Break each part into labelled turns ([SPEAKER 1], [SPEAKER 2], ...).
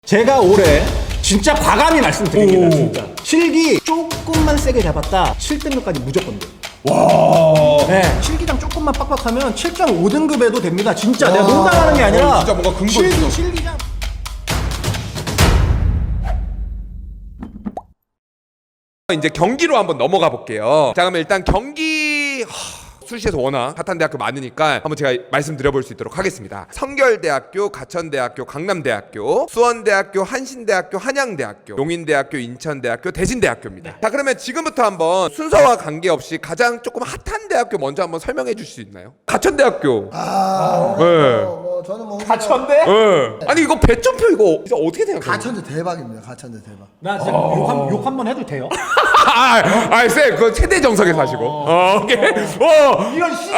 [SPEAKER 1] 제가 올해 진짜 과감히 말씀드립니다. 진짜 실기 조금만 세게 잡았다 7등급까지 무조건 돼요.
[SPEAKER 2] 와.
[SPEAKER 1] 네, 실기장 조금만 빡빡하면 7.5등급에도 됩니다. 진짜 내가 농담하는 게 아니라
[SPEAKER 2] 진짜 뭔가 근거 있어.
[SPEAKER 1] 실기장
[SPEAKER 2] 이제 경기로 한번 넘어가 볼게요. 자, 그러면 일단 경기 수시에서 워낙 핫한 대학교 많으니까 한번 제가 말씀드려볼 수 있도록 하겠습니다. 성결대학교, 가천대학교, 강남대학교, 수원대학교, 한신대학교, 한양대학교, 용인대학교, 인천대학교, 대진대학교입니다. 자, 그러면 지금부터 한번 순서와 관계없이 가장 조금 핫한 대학교 먼저 한번 설명해 줄 수 있나요? 가천대학교. 네.
[SPEAKER 3] 저는 뭐
[SPEAKER 1] 가천대?
[SPEAKER 2] 네. 아니 이거 배점표 이거 진짜 어떻게 생각해요?
[SPEAKER 3] 가천대 대박입니다. 가천대 대박.
[SPEAKER 1] 나 진짜 욕 한 번 해도 돼요?
[SPEAKER 2] 쌤, 그거 최대 정석에 사시고. 오케이.
[SPEAKER 1] 이런 씨.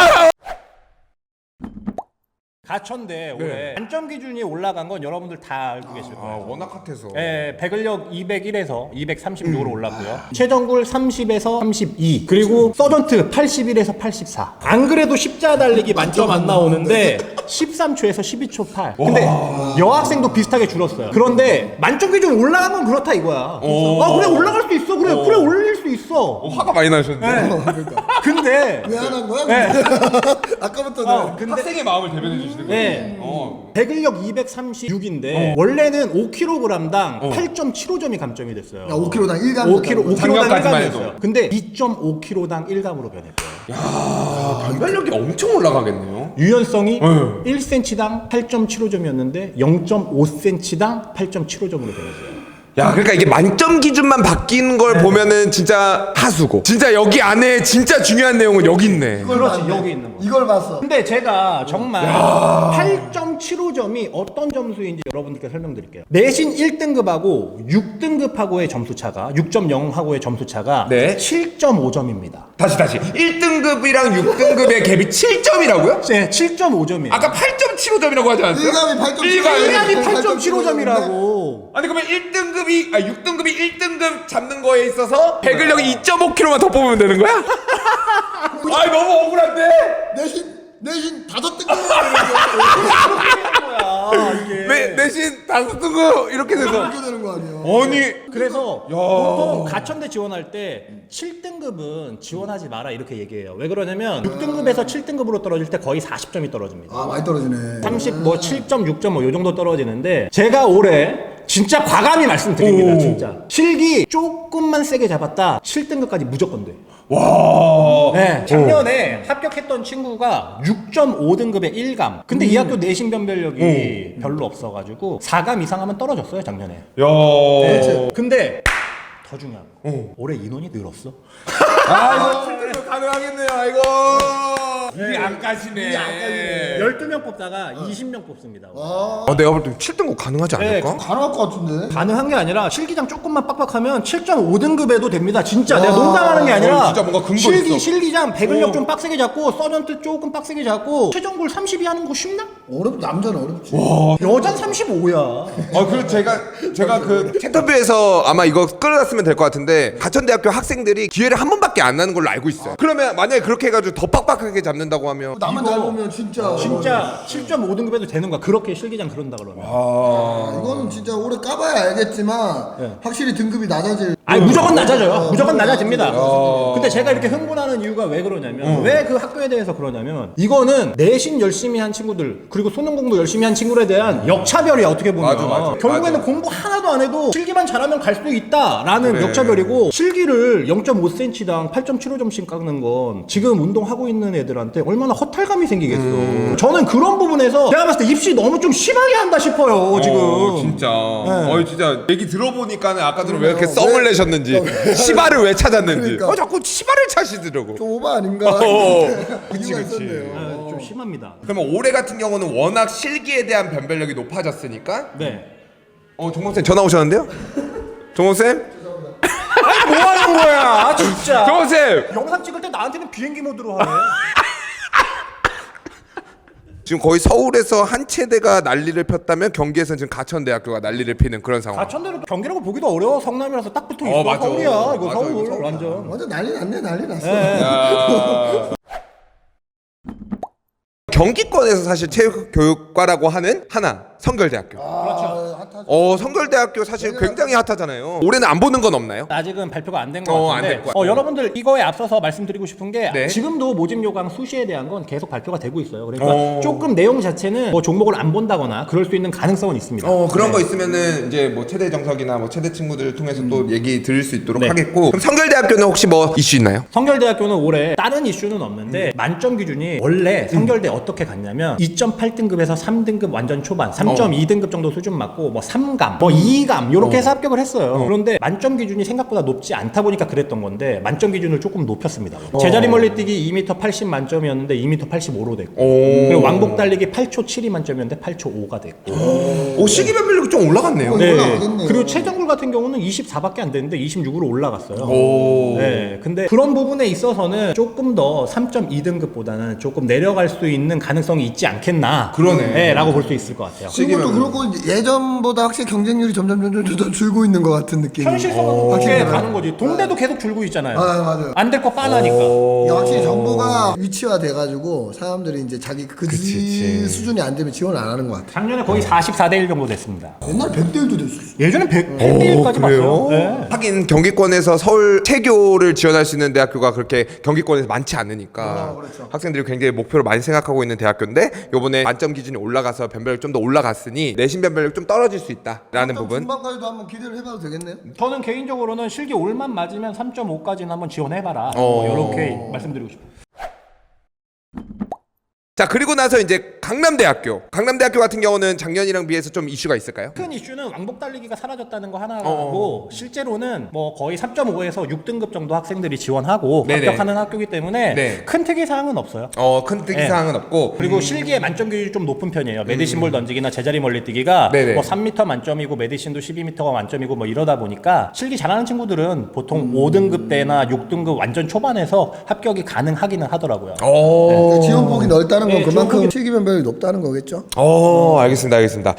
[SPEAKER 1] 가천대 올해 만점 기준이 올라간 건 여러분들 다 알고 계실 거예요.
[SPEAKER 2] 워낙 핫해서.
[SPEAKER 1] 네, 배근력 201에서 236으로 올랐고요. 최정굴 30에서 32. 그리고 서전트 81에서 84. 안 그래도 십자 달리기 만점 안 나오는데 13초에서 12초 8. 근데 여학생도 비슷하게 줄었어요. 그런데 만점 기준 올라간 건 그렇다 이거야. 그래 올라갈 수 있어. 그래 올릴 수 있어.
[SPEAKER 2] 화가 많이 나셨는데.
[SPEAKER 1] 근데
[SPEAKER 3] 왜 안 한 거야?
[SPEAKER 1] 네.
[SPEAKER 3] 아까부터
[SPEAKER 1] 근데
[SPEAKER 2] 학생의 마음을 대변해 주시는 거예요.
[SPEAKER 1] 네. 배근력 236인데 원래는 5kg당 8.75점이 감점이 됐어요.
[SPEAKER 3] 5kg당 1감.
[SPEAKER 1] 5kg당
[SPEAKER 2] 작년까지만 해도.
[SPEAKER 1] 1감이었어요. 근데 2.5kg당 1감으로 변했어요.
[SPEAKER 2] 변별력이 엄청 올라가겠네요.
[SPEAKER 1] 유연성이 1cm당 8.75점이었는데 0.5cm당 8.75점으로 변했어요.
[SPEAKER 2] 야, 그러니까 이게 만점 기준만 바뀐 걸 보면은 진짜 하수고. 진짜 여기 안에 진짜 중요한 내용은 여기 있네.
[SPEAKER 1] 그렇지, 여기 있는 거.
[SPEAKER 3] 이걸 봤어.
[SPEAKER 1] 근데 제가 정말 8.75점이 어떤 점수인지 여러분들께 설명드릴게요. 내신 1등급하고 6등급하고의 점수 차가 6.0하고의 점수 차가
[SPEAKER 2] 네.
[SPEAKER 1] 7.5점입니다.
[SPEAKER 2] 다시. 1등급이랑 6등급의 갭이 7점이라고요?
[SPEAKER 1] 네, 7.5점이에요.
[SPEAKER 2] 아까 8.75점이라고 하지 않았어요?
[SPEAKER 3] 1감이 8.75점.
[SPEAKER 1] 1감이 8.75점이라고.
[SPEAKER 2] 아니 그러면 6등급이 1등급 잡는 거에 있어서 배근력이 2.5kg만 더 뽑으면 되는 거야? 아니 너무 억울한데?
[SPEAKER 3] 내신 5등급.
[SPEAKER 2] 내신 5등급 이렇게 돼서
[SPEAKER 3] 이렇게 되는 거 아니야?
[SPEAKER 2] 아니
[SPEAKER 1] 그래서 보통 가천대 지원할 때 7등급은 지원하지 마라 이렇게 얘기해요. 왜 그러냐면 6등급에서 7등급으로 떨어질 때 거의 40점이 떨어집니다.
[SPEAKER 3] 아 많이 떨어지네.
[SPEAKER 1] 7.6점 뭐 요 정도 떨어지는데 제가 올해 진짜 과감히 말씀드립니다. 진짜 실기 조금만 세게 잡았다 7등급까지 무조건 돼.
[SPEAKER 2] 와.
[SPEAKER 1] 네, 작년에 합격했던 친구가 6.5등급의 1감. 근데 이 학교 내신 변별력이 별로 없어가지고 4감 이상 하면 떨어졌어요 작년에.
[SPEAKER 2] 야.
[SPEAKER 1] 네. 근데 더 중요한 거 올해 인원이 늘었어.
[SPEAKER 2] 이거 7등급 가능하겠네요. 아이고. 이게 안 까시네.
[SPEAKER 1] 12명 뽑다가 20명 뽑습니다.
[SPEAKER 2] 내가 볼 때 7등급 가능하지 않을까?
[SPEAKER 3] 가능할 것 같은데.
[SPEAKER 1] 가능한 게 아니라 실기장 조금만 빡빡하면 7.5등급에도 됩니다. 진짜 내가 농담하는 게 아니라
[SPEAKER 2] 진짜 뭔가 근거 있어.
[SPEAKER 1] 실기장 배근력 좀 빡세게 잡고 서전트 조금 빡세게 잡고 최종골 32 하는 거 쉽나?
[SPEAKER 3] 남자는 어렵지.
[SPEAKER 1] 여잔 35야.
[SPEAKER 2] 그리고 제가 그 인터뷰에서 아마 이거 끌어놨으면 될 것 같은데 가천대학교 학생들이 기회를 한 번밖에 안 나는 걸로 알고 있어요. 그러면 만약에 그렇게 해가지고 더 빡빡하게 잡는다고 하면
[SPEAKER 3] 나만 잘 보면 진짜.
[SPEAKER 1] 7.5등급에도 되는 거야. 그렇게 실기장 그런다 그러면.
[SPEAKER 3] 이거는 진짜 오래 까봐야 알겠지만 확실히 등급이 낮아질.
[SPEAKER 1] 아니 무조건 낮아져요. 무조건 낮아집니다. 근데 제가 이렇게 흥분하는 이유가 왜 그러냐면 왜 그 학교에 대해서 그러냐면 이거는 내신 열심히 한 친구들 그리고 수능 공부 열심히 한 친구들에 대한 역차별이야 어떻게 보면.
[SPEAKER 2] 맞아.
[SPEAKER 1] 결국에는 공부 하나도 안 해도 실기만 잘하면 갈 수 있다라는 역차별이고 실기를 0.5cm당 8.75점씩 깎는 건 지금 운동하고 있는 애들한테 얼마나 허탈감이 생기겠어. 저는 그런 부분에서 제가 봤을 때 입시 너무 좀 심하게 한다 싶어요 지금.
[SPEAKER 2] 진짜.
[SPEAKER 1] 네.
[SPEAKER 2] 진짜 얘기 들어보니까는 아까 전에 왜 이렇게 썸을 내셨는지 시바를 왜 찾았는지.
[SPEAKER 3] 그러니까.
[SPEAKER 2] 자꾸 시바를 찾으시더라고.
[SPEAKER 3] 좀 오바 아닌가?
[SPEAKER 2] 그치.
[SPEAKER 3] 있었네요.
[SPEAKER 1] 좀 심합니다.
[SPEAKER 2] 그러면 올해 같은 경우는 워낙 실기에 대한 변별력이 높아졌으니까.
[SPEAKER 1] 네.
[SPEAKER 2] 종범쌤 전화 오셨는데요? 종범쌤?
[SPEAKER 1] 뭐 하는 거야 진짜.
[SPEAKER 2] 종범쌤!
[SPEAKER 1] 영상 찍을 때 나한테는 비행기 모드로 하네.
[SPEAKER 2] 지금 거의 서울에서 한 체대가 난리를 폈다면 경기에서는 지금 가천대학교가 난리를 피는 그런 상황.
[SPEAKER 1] 가천대로 경기라고 보기도 어려워. 성남이라서 딱 붙어 있어.
[SPEAKER 2] 맞아.
[SPEAKER 1] 서울이야. 이거
[SPEAKER 2] 맞아,
[SPEAKER 1] 서울
[SPEAKER 2] 이거 서울.
[SPEAKER 1] 완전.
[SPEAKER 3] 완전 난리 났네. 난리 났어.
[SPEAKER 2] 경기권에서 사실 체육교육과라고 하는 하나 성결대학교.
[SPEAKER 3] 그렇죠. 핫하죠.
[SPEAKER 2] 성결대학교 사실 굉장히 핫하잖아요. 올해는 안 보는 건 없나요?
[SPEAKER 1] 아직은 발표가 안 된 것
[SPEAKER 2] 안
[SPEAKER 1] 같은데
[SPEAKER 2] 될 것 같아요.
[SPEAKER 1] 여러분들 이거에 앞서서 말씀드리고 싶은 게
[SPEAKER 2] 네.
[SPEAKER 1] 지금도 모집 요강 수시에 대한 건 계속 발표가 되고 있어요. 그러니까 조금 내용 자체는 뭐 종목을 안 본다거나 그럴 수 있는 가능성은 있습니다.
[SPEAKER 2] 그런
[SPEAKER 1] 네.
[SPEAKER 2] 거 있으면은 이제 뭐 체대 정석이나 뭐 체대 친구들을 통해서 또 얘기 들을 수 있도록 하겠고. 그럼 성결대학교는 혹시 뭐 이슈 있나요?
[SPEAKER 1] 성결대학교는 올해 다른 이슈는 없는데 만점 기준이 원래 성결대 어떻게 갔냐면 2.8등급에서 3등급 완전 초반 3.2등급 정도 수준 맞고 뭐 3감 뭐 2감 이렇게 해서 합격을 했어요. 그런데 만점 기준이 생각보다 높지 않다 보니까 그랬던 건데 만점 기준을 조금 높였습니다. 제자리 멀리뛰기 2m 80 만점이었는데 2m 85로 됐고 그리고 왕복 달리기 8초 7이 만점이었는데 8초 5가 됐고
[SPEAKER 2] 시기 변별력이 좀 올라갔네요.
[SPEAKER 1] 네.
[SPEAKER 3] 올라가겠네요.
[SPEAKER 1] 그리고 최정굴 같은 경우는 24밖에 안 되는데 26으로 올라갔어요. 네. 근데 그런 부분에 있어서는 조금 더 3.2등급보다는 조금 내려갈 수 있는 가능성이 있지 않겠나.
[SPEAKER 2] 그러네.
[SPEAKER 1] 네, 라고 볼 수 있을 것 같아요.
[SPEAKER 3] 그리고 또 그렇고 예전보다 확실히 경쟁률이 점점 줄고 있는 것 같은 느낌이.
[SPEAKER 1] 현실성은
[SPEAKER 3] 확실히
[SPEAKER 1] 그렇게
[SPEAKER 3] 들어요.
[SPEAKER 1] 가는 거지. 동대도 계속 줄고 있잖아요.
[SPEAKER 3] 맞아요.
[SPEAKER 1] 안 될 거 빠나니까.
[SPEAKER 3] 이게 확실히 정보가 위치화 돼가지고 사람들이 이제 자기 수준이 안 되면 지원 안 하는 것 같아.
[SPEAKER 1] 작년에 거의 44대 1 정도 됐습니다.
[SPEAKER 3] 옛날 100대 1도 됐었어.
[SPEAKER 1] 예전엔 100대 1까지 봤어요. 네.
[SPEAKER 2] 하긴 경기권에서 서울 체교를 지원할 수 있는 대학교가 그렇게 경기권에서 많지 않으니까
[SPEAKER 3] 그렇죠.
[SPEAKER 2] 학생들이 굉장히 목표로 많이 생각하고 있는 대학교인데 요번에 만점 기준이 올라가서 변별력 좀 더 올라갔으니 내신 변별력 좀 떨어질 수 있다라는 부분.
[SPEAKER 3] 중반까지도 한번 기대를 해봐도 되겠네요.
[SPEAKER 1] 저는 개인적으로는 실기 올만 맞으면 3.5까지는 한번 지원해봐라. 이렇게 말씀드리고 싶어요.
[SPEAKER 2] 자, 그리고 나서 이제 강남대학교 같은 경우는 작년이랑 비해서 좀 이슈가 있을까요?
[SPEAKER 1] 큰 이슈는 왕복 달리기가 사라졌다는 거 하나고 실제로는 뭐 거의 3.5에서 6등급 정도 학생들이 지원하고
[SPEAKER 2] 네네.
[SPEAKER 1] 합격하는 학교이기 때문에
[SPEAKER 2] 네.
[SPEAKER 1] 큰 특이 사항은 없어요.
[SPEAKER 2] 큰 특이사항은 없고
[SPEAKER 1] 그리고 실기의 만점 기준이 좀 높은 편이에요. 메디신볼 던지기나 제자리 멀리뛰기가
[SPEAKER 2] 네네.
[SPEAKER 1] 뭐 3m 만점이고 메디신도 12m가 만점이고 뭐 이러다 보니까 실기 잘하는 친구들은 보통 5등급대나 6등급 완전 초반에서 합격이 가능하기는 하더라고요.
[SPEAKER 3] 그러니까 지원폭이 넓다는 건
[SPEAKER 1] 네,
[SPEAKER 3] 그만큼
[SPEAKER 1] 지원폭이-
[SPEAKER 3] 실기 변별이 높다는 거겠죠.
[SPEAKER 2] 알겠습니다.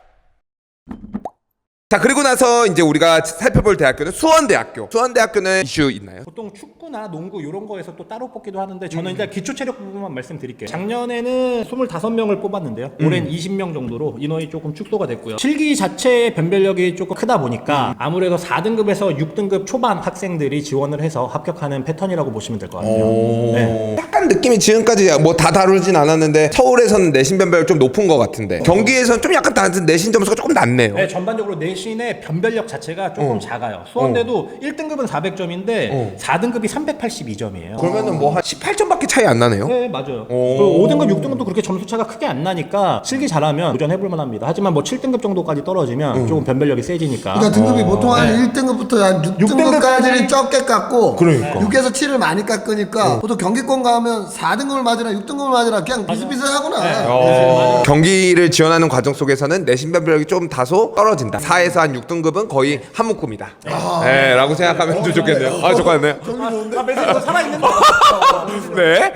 [SPEAKER 2] 자, 그리고 나서 이제 우리가 살펴볼 대학교는 수원대학교는 이슈 있나요?
[SPEAKER 1] 보통 축구나 농구 이런 거에서 또 따로 뽑기도 하는데 저는 일단 기초체력 부분만 말씀드릴게요. 작년에는 25명을 뽑았는데요. 올해는 20명 정도로 인원이 조금 축소가 됐고요. 실기 자체의 변별력이 조금 크다 보니까 아무래도 4등급에서 6등급 초반 학생들이 지원을 해서 합격하는 패턴이라고 보시면 될 것 같아요. 네.
[SPEAKER 2] 약간 느낌이 지금까지 뭐 다 다루진 않았는데 서울에서는 내신 변별력 좀 높은 것 같은데 경기에서는 좀 약간 내신 점수가 조금 낮네요.
[SPEAKER 1] 네, 전반적으로 내신의 변별력 자체가 조금 작아요. 수원대도 1등급은 400점인데 4등급이 382점이에요.
[SPEAKER 2] 그러면은 뭐 한 18점밖에 차이 안 나네요.
[SPEAKER 1] 네, 맞아요. 그리고 5등급, 6등급도 그렇게 점수 차가 크게 안 나니까 실기 잘하면 도전해볼 만합니다. 하지만 뭐 7등급 정도까지 떨어지면 조금 변별력이 세지니까.
[SPEAKER 3] 그러니까 등급이 보통 한 1등급부터 한 6등급까지는 적게 깎고
[SPEAKER 2] 그러니까.
[SPEAKER 3] 6에서 7을 많이 깎으니까 보통 경기권 가면 4등급을 맞으나 6등급을 맞으나 그냥 비슷비슷하구나.
[SPEAKER 2] 경기를 지원하는 과정 속에서는 내신 변별력이 좀 다소 떨어진다. 4에서 한 6등급은 거의 한 묶음이다. 네, 라고 생각하면 좀 좋겠네요. 좋겠네요.
[SPEAKER 1] 메시지가 살아있는데.
[SPEAKER 2] 네.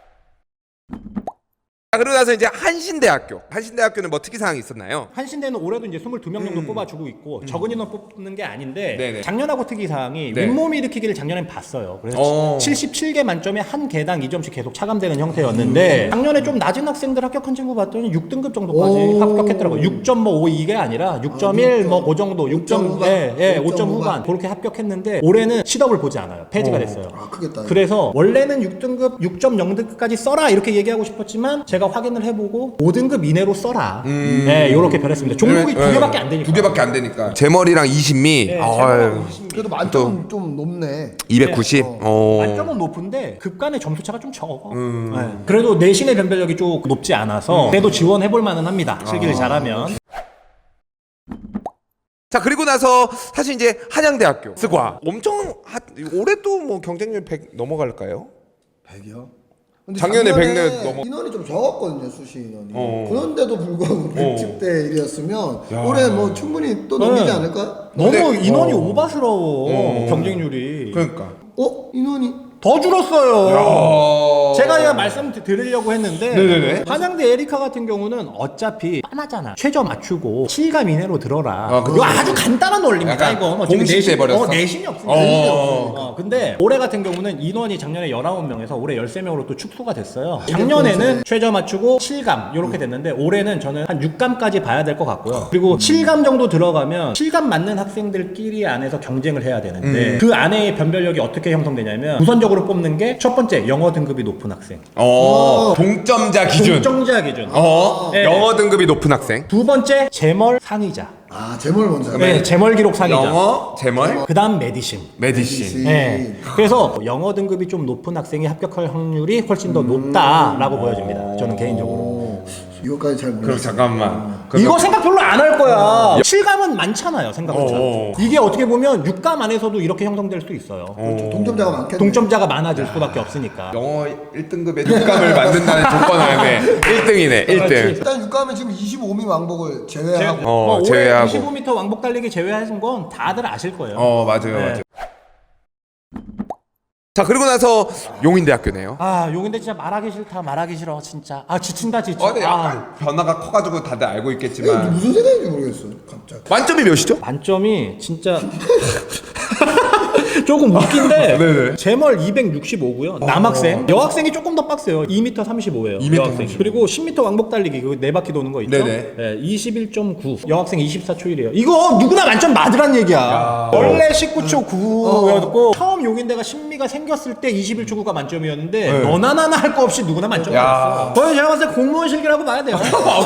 [SPEAKER 2] 자, 그러고 나서 이제 한신대학교는 뭐 특이사항이 있었나요?
[SPEAKER 1] 한신대는 올해도 이제 22명 정도 뽑아주고 있고 적은 인원 뽑는 게 아닌데
[SPEAKER 2] 네네.
[SPEAKER 1] 작년하고 특이사항이
[SPEAKER 2] 네.
[SPEAKER 1] 윗몸 일으키기를 작년엔 봤어요. 그래서 77개 만점에 한 개당 2점씩 계속 차감되는 형태였는데 작년에 좀 낮은 학생들 합격한 친구 봤더니 6등급 정도까지 합격했더라고요. 6.5 이게 아니라 6.1 뭐 그 정도 6점 5점 후반 그렇게 합격했는데 올해는 시덕을 보지 않아요. 폐지가 됐어요.
[SPEAKER 3] 크겠다.
[SPEAKER 1] 그래서 원래는 6등급 6.0등급까지 써라 이렇게 얘기하고 싶었지만 제가 확인을 해보고 5등급 이내로 써라. 네, 이렇게 변했습니다. 종목이 두 개밖에 안 되니까.
[SPEAKER 2] 두 개밖에 안 되니까. 제머리랑 이신미.
[SPEAKER 1] 네,
[SPEAKER 2] 아유,
[SPEAKER 3] 그래도 만점은 좀 높네.
[SPEAKER 2] 290.
[SPEAKER 1] 만점은 높은데 급간의 점수 차가 좀 적어. 네. 그래도 내신의 변별력이 좀 높지 않아서 그래도 지원해볼 만은 합니다. 실기를 잘하면.
[SPEAKER 2] 자, 그리고 나서 사실 이제 한양대학교 스과 엄청 올해도 뭐 경쟁률 100 넘어갈까요?
[SPEAKER 3] 100이요? 근데
[SPEAKER 2] 작년에
[SPEAKER 3] 작년에
[SPEAKER 2] 100 넘어.
[SPEAKER 3] 인원이 좀 적었거든요, 수시 인원이. 그런데도 불구하고 110대 1이었으면 올해 뭐 충분히 또 넘기지 않을까요?
[SPEAKER 1] 너무
[SPEAKER 2] 근데-
[SPEAKER 1] 인원이 오바스러워 경쟁률이.
[SPEAKER 2] 그러니까.
[SPEAKER 3] 인원이
[SPEAKER 1] 더 줄었어요. 제가 그냥 말씀드리려고 했는데
[SPEAKER 2] 네네네.
[SPEAKER 1] 한양대 에리카 같은 경우는 어차피 뻔하잖아. 최저 맞추고 7감 이내로 들어라. 이거 아주 간단한 원리입니다.
[SPEAKER 2] 약간
[SPEAKER 1] 이거
[SPEAKER 2] 공식 돼버렸어.
[SPEAKER 1] 내신이 없으니까. 근데 올해 같은 경우는 인원이 작년에 19명에서 올해 13명으로 또 축소가 됐어요. 작년에는 최저 맞추고 7감 이렇게 됐는데 올해는 저는 한 6감까지 봐야 될 것 같고요. 그리고 7감 정도 들어가면 7감 맞는 학생들끼리 안에서 경쟁을 해야 되는데 그 안에의 변별력이 어떻게 형성되냐면 우선적으로 뽑는 게 첫 번째 영어 등급이 높은 학생.
[SPEAKER 2] 동점자 기준.
[SPEAKER 1] 동점자 기준. 네.
[SPEAKER 2] 영어 등급이 높은 학생.
[SPEAKER 1] 두 번째 재멀 상위자.
[SPEAKER 3] 재물 먼저.
[SPEAKER 1] 네, 재멀 기록 상위자.
[SPEAKER 2] 영어, 재멀,
[SPEAKER 1] 그다음 메디신.
[SPEAKER 2] 메디신.
[SPEAKER 1] 네. 그래서 영어 등급이 좀 높은 학생이 합격할 확률이 훨씬 더 높다라고 보여집니다. 저는 개인적으로.
[SPEAKER 3] 이거까지 잘 모르겠어요.
[SPEAKER 2] 그럼 잠깐만.
[SPEAKER 1] 이거 생각 별로 안 할 거야. 7감은 많잖아요, 생각보다. 이게 어떻게 보면 6감 안에서도 이렇게 형성될 수 있어요.
[SPEAKER 3] 동점자가 많겠네.
[SPEAKER 1] 동점자가 많아질 수밖에 없으니까.
[SPEAKER 2] 영어 1등급의 6감을 만든다는 조건 안에 1등이네. 1등.
[SPEAKER 3] 일단 6감은 지금 25미 왕복을 제외하고
[SPEAKER 1] 올해
[SPEAKER 2] 제외하고.
[SPEAKER 1] 25m 왕복 달리기 제외하신 건 다들 아실 거예요.
[SPEAKER 2] 맞아요.
[SPEAKER 1] 네.
[SPEAKER 2] 맞아요. 자, 그리고 나서 용인대학교네요.
[SPEAKER 1] 용인대 진짜 말하기 싫다, 말하기 싫어, 진짜. 지친다, 지쳐.
[SPEAKER 2] 근데 약간 변화가 커가지고 다들 알고
[SPEAKER 3] 이게
[SPEAKER 2] 있겠지만
[SPEAKER 3] 무슨 생각인지 모르겠어. 갑자기.
[SPEAKER 2] 만점이 몇이죠?
[SPEAKER 1] 만점이 진짜 조금 웃긴데
[SPEAKER 2] 네네.
[SPEAKER 1] 재멀 265고요. 남학생, 여학생이 조금 더 빡세요. 2m 35예요.
[SPEAKER 2] 2m
[SPEAKER 1] 여학생.
[SPEAKER 2] 35.
[SPEAKER 1] 그리고 10m 왕복 달리기 그 4바퀴 도는 거 있죠?
[SPEAKER 2] 네네.
[SPEAKER 1] 네, 21.9. 여학생 24초 1이에요. 이거 누구나 만점 맞으란 얘기야. 원래 19초 9였고 처음 용인대가 신미가 생겼을 때 21초 9가 만점이었는데 너나 나나 할 거 없이 누구나 만점 맞았어. 거의 제가 봤을 때 공무원 실기라고 봐야 돼요.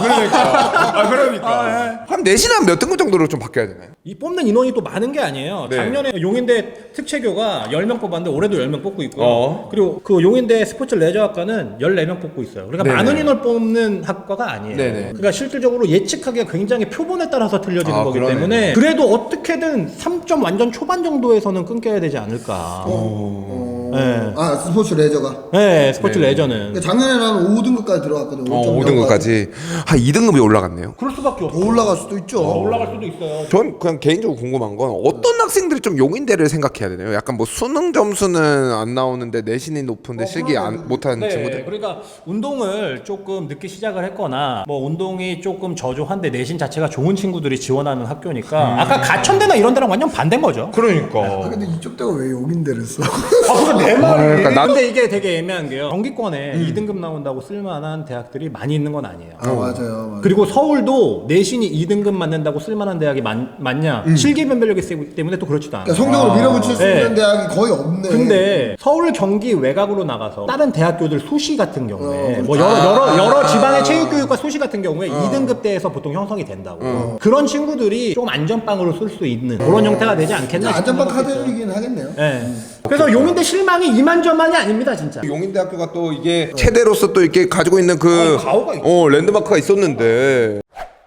[SPEAKER 2] 그러니까. 그럼 내신은 몇 등급 정도로 좀 바뀌어야 되나요?
[SPEAKER 1] 이 뽑는 인원이 또 많은 게 아니에요.
[SPEAKER 2] 네.
[SPEAKER 1] 작년에 용인대 특채교가 10명 뽑았는데 올해도 10명 뽑고 있고요. 그리고 그 용인대 스포츠 레저학과는 14명 뽑고 있어요. 그러니까
[SPEAKER 2] 네네.
[SPEAKER 1] 많은 인원을 뽑는 학과가 아니에요.
[SPEAKER 2] 네네.
[SPEAKER 1] 그러니까 실질적으로 예측하기가 굉장히 표본에 따라서 틀려지는 거기
[SPEAKER 2] 그러네.
[SPEAKER 1] 때문에 그래도 어떻게든 3점 완전 초반 정도에서는 끊겨야 되지 않을까. 네.
[SPEAKER 3] 스포츠 레저가.
[SPEAKER 1] 네, 스포츠
[SPEAKER 2] 네네.
[SPEAKER 1] 레저는.
[SPEAKER 3] 그러니까 작년에 나는 5등급까지 들어갔거든.
[SPEAKER 2] 5등급까지. 한 2등급이 올라갔네요.
[SPEAKER 1] 그럴 수밖에 없어.
[SPEAKER 3] 더 올라갈 수도 있죠.
[SPEAKER 1] 올라갈 수도 있어요.
[SPEAKER 2] 전 그냥 개인적으로 궁금한 건 어떤 학생들이 좀 용인대를 생각해야 되나요? 약간 뭐 수능 점수는 안 나오는데 내신이 높은데 실기 못하는
[SPEAKER 1] 네,
[SPEAKER 2] 친구들?
[SPEAKER 1] 그러니까 운동을 조금 늦게 시작을 했거나 뭐 운동이 조금 저조한데 내신 자체가 좋은 친구들이 지원하는 학교니까 아까 가천대나 이런 데랑 완전 반대인 거죠.
[SPEAKER 2] 그러니까.
[SPEAKER 3] 근데 이쪽 대가 왜 용인대를 써?
[SPEAKER 1] 그게 내 말이.
[SPEAKER 2] 그러니까
[SPEAKER 1] 근데 이게 되게 애매한 게요. 경기권에 2등급 나온다고 쓸만한 대학들이 많이 있는 건 아니에요.
[SPEAKER 3] 맞아요.
[SPEAKER 1] 그리고 서울도 내신이 2등급 맞는다고 쓸만한 대학이 많냐? 실기 변별력이 세기 때문에 또 그렇지도 않아요.
[SPEAKER 3] 그러니까 성적으로 밀어붙일 수
[SPEAKER 1] 네.
[SPEAKER 3] 있는 대학이 거의 없네.
[SPEAKER 1] 근데 서울 경기 외곽으로 나가서 다른 대학교들 수시 같은 경우에 뭐
[SPEAKER 3] 그렇죠.
[SPEAKER 1] 여러 지방의 체육교육과 수시 같은 경우에 2등급 대에서 보통 형성이 된다고. 그런 친구들이 조금 안전빵으로 쓸 수 있는 그런 형태가 되지 않겠나 싶은
[SPEAKER 3] 안전빵
[SPEAKER 1] 생각이 있어요.
[SPEAKER 3] 카드이긴 하겠네요.
[SPEAKER 1] 네. 그래서 용인대 실망이 2만점만이 아닙니다, 진짜.
[SPEAKER 2] 용인대학교가 또 이게 체대로서 또 이렇게 가지고 있는
[SPEAKER 1] 가오가 있죠.
[SPEAKER 2] 랜드마크가 있었는데.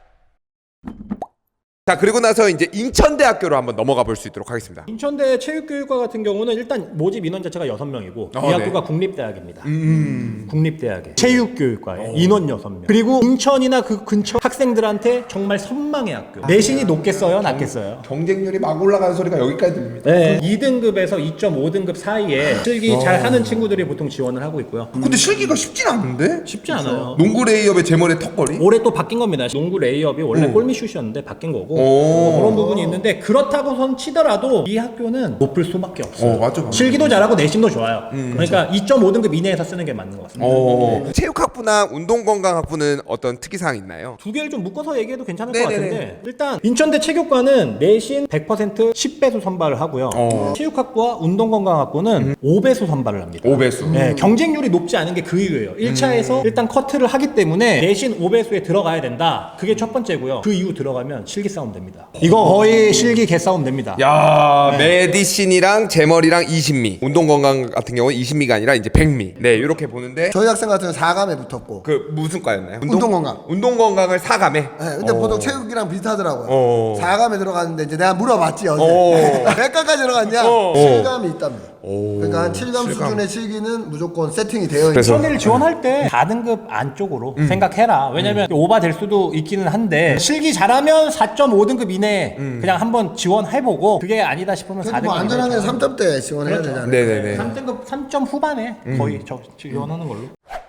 [SPEAKER 2] 자, 그리고 나서 이제 인천대학교로 한번 넘어가 볼 수 있도록 하겠습니다.
[SPEAKER 1] 인천대 체육교육과 같은 경우는 일단 모집 인원 자체가 6명이고 이
[SPEAKER 2] 네.
[SPEAKER 1] 학교가 국립대학입니다. 국립대학에 체육교육과에 인원 6명. 그리고 인천이나 그 근처 학생들한테 정말 선망의 학교. 내신이 높겠어요, 낮겠어요?
[SPEAKER 2] 경쟁률이 막 올라가는 소리가 여기까지 들립니다.
[SPEAKER 1] 네. 2등급에서 2.5등급 사이에 실기 잘 하는 친구들이 보통 지원을 하고 있고요.
[SPEAKER 2] 근데 실기가 쉽진 않은데?
[SPEAKER 1] 쉽지 않아요.
[SPEAKER 2] 농구 레이업의 제머의 턱걸이?
[SPEAKER 1] 올해 또 바뀐 겁니다. 농구 레이업이 원래 골밑슛이었는데 바뀐 거고 뭐 그런 부분이 있는데 그렇다고선 치더라도 이 학교는 높을 수밖에 없어요.
[SPEAKER 2] 맞아.
[SPEAKER 1] 실기도 잘하고 내신도 좋아요. 그러니까 2.5등급 이내에서 쓰는 게 맞는 것 같습니다.
[SPEAKER 2] 체육학부나 운동건강학부는 어떤 특이사항이 있나요?
[SPEAKER 1] 두 개를 좀 묶어서 얘기해도 괜찮을 것
[SPEAKER 2] 네네네.
[SPEAKER 1] 같은데 일단 인천대 체육과는 내신 100% 10배수 선발을 하고요. 체육학부와 운동건강학부는 5배수 선발을 합니다.
[SPEAKER 2] 5배수.
[SPEAKER 1] 네, 경쟁률이 높지 않은 게 그 이유예요. 1차에서 일단 커트를 하기 때문에 내신 5배수에 들어가야 된다. 그게 첫 번째고요. 그 이후 들어가면 실기 싸움 됩니다. 이거 거의 실기 개싸움 됩니다.
[SPEAKER 2] 야, 메디신이랑 제머리랑 20미. 운동건강 같은 경우는 20미가 아니라 이제 100미. 네, 이렇게 보는데
[SPEAKER 3] 저희 학생 같은 경우는 4감에 붙었고.
[SPEAKER 2] 그 무슨 과였나요?
[SPEAKER 3] 운동건강.
[SPEAKER 2] 운동건강을 4감에.
[SPEAKER 3] 네, 근데 보통 체육이랑 비슷하더라고요. 4감에 들어갔는데 이제 내가 물어봤지 어제. 몇 감까지 들어갔냐? 7감이 있답니다. 그러니까 한 7감 수준의 실기는 무조건 세팅이 되어 있는.
[SPEAKER 2] 그래서-
[SPEAKER 1] 수원이를 지원할 때 4등급 안쪽으로 생각해라. 왜냐면 오바 될 수도 있기는 한데 실기 잘하면 4.5등급 이내에 그냥 한번 지원해보고 그게 아니다 싶으면
[SPEAKER 3] 그래도
[SPEAKER 1] 4등급
[SPEAKER 3] 뭐 안전하게 3점대 지원해야 되잖아요.
[SPEAKER 2] 네네네.
[SPEAKER 1] 3등급 3점 후반에 거의 저 지원하는 걸로.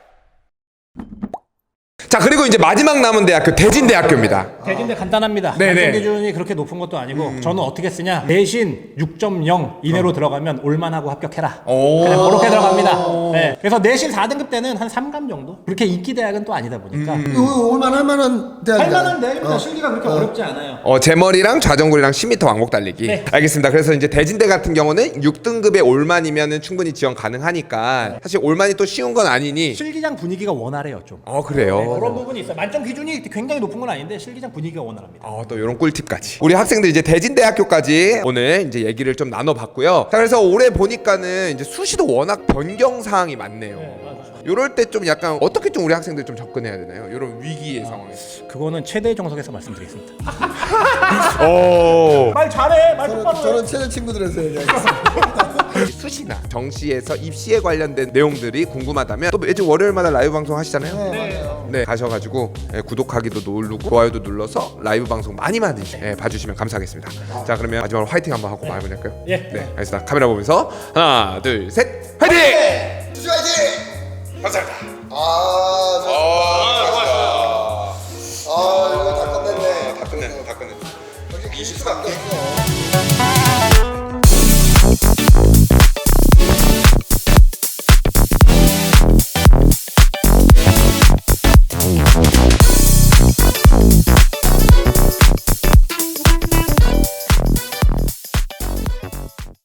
[SPEAKER 2] 자, 그리고 이제 마지막 남은 대학교 대진대학교입니다.
[SPEAKER 1] 대진대 간단합니다.
[SPEAKER 2] 네네.
[SPEAKER 1] 만점 기준이 그렇게 높은 것도 아니고 저는 어떻게 쓰냐 내신 6.0 이내로 들어가면 올만하고 합격해라.
[SPEAKER 2] 오.
[SPEAKER 1] 그냥 그렇게 들어갑니다. 네. 그래서 내신 4등급 때는 한 3감 정도. 그렇게 인기 대학은 또 아니다 보니까
[SPEAKER 3] 이거 올만 할 만한 대학이잖아요.
[SPEAKER 1] 할만한 대학입니다. 실기가 그렇게 어렵지 않아요.
[SPEAKER 2] 제머리랑 좌전굴이랑 10m 왕복 달리기.
[SPEAKER 1] 네.
[SPEAKER 2] 알겠습니다. 그래서 이제 대진대 같은 경우는 6등급의 올만이면은 충분히 지원 가능하니까 사실 올만이 또 쉬운 건 아니니.
[SPEAKER 1] 실기장 분위기가 원활해요 좀.
[SPEAKER 2] 그래요.
[SPEAKER 1] 그런 부분이 있어요. 만점 기준이 굉장히 높은 건 아닌데 실기장 분위기가 원활합니다.
[SPEAKER 2] 또 이런 꿀팁까지. 우리 학생들 이제 대진대학교까지 오늘 이제 얘기를 좀 나눠봤고요. 자, 그래서 올해 보니까는 이제 수시도 워낙 변경 사항이 많네요. 요럴 때 좀 약간 어떻게 좀 우리 학생들 좀 접근해야 되나요? 이런 위기의 상황에서.
[SPEAKER 1] 그거는 최대 정석에서 말씀드리겠습니다.
[SPEAKER 2] 오.
[SPEAKER 1] 말 잘해, 말 똑바로 해.
[SPEAKER 3] 저는 최대 친구들에서 얘기하겠습니다.
[SPEAKER 2] 수시나 정시에서 입시에 관련된 내용들이 궁금하다면 또 매주 월요일마다 라이브 방송 하시잖아요. 네, 가셔가지고 구독하기도 누르고 좋아요도 눌러서 라이브 방송 많이 봐주시면 감사하겠습니다. 자, 그러면 마지막으로 화이팅 한번 하고 마무리할까요?
[SPEAKER 1] 예.
[SPEAKER 2] 네, 알겠습니다. 카메라 보면서 하나, 둘, 셋, 화이팅!
[SPEAKER 3] 주시 화이팅!
[SPEAKER 2] 감사합니다.
[SPEAKER 3] 이거 다 끝냈네.
[SPEAKER 2] 다 끝냈네.
[SPEAKER 3] 역시 20수밖에 없어.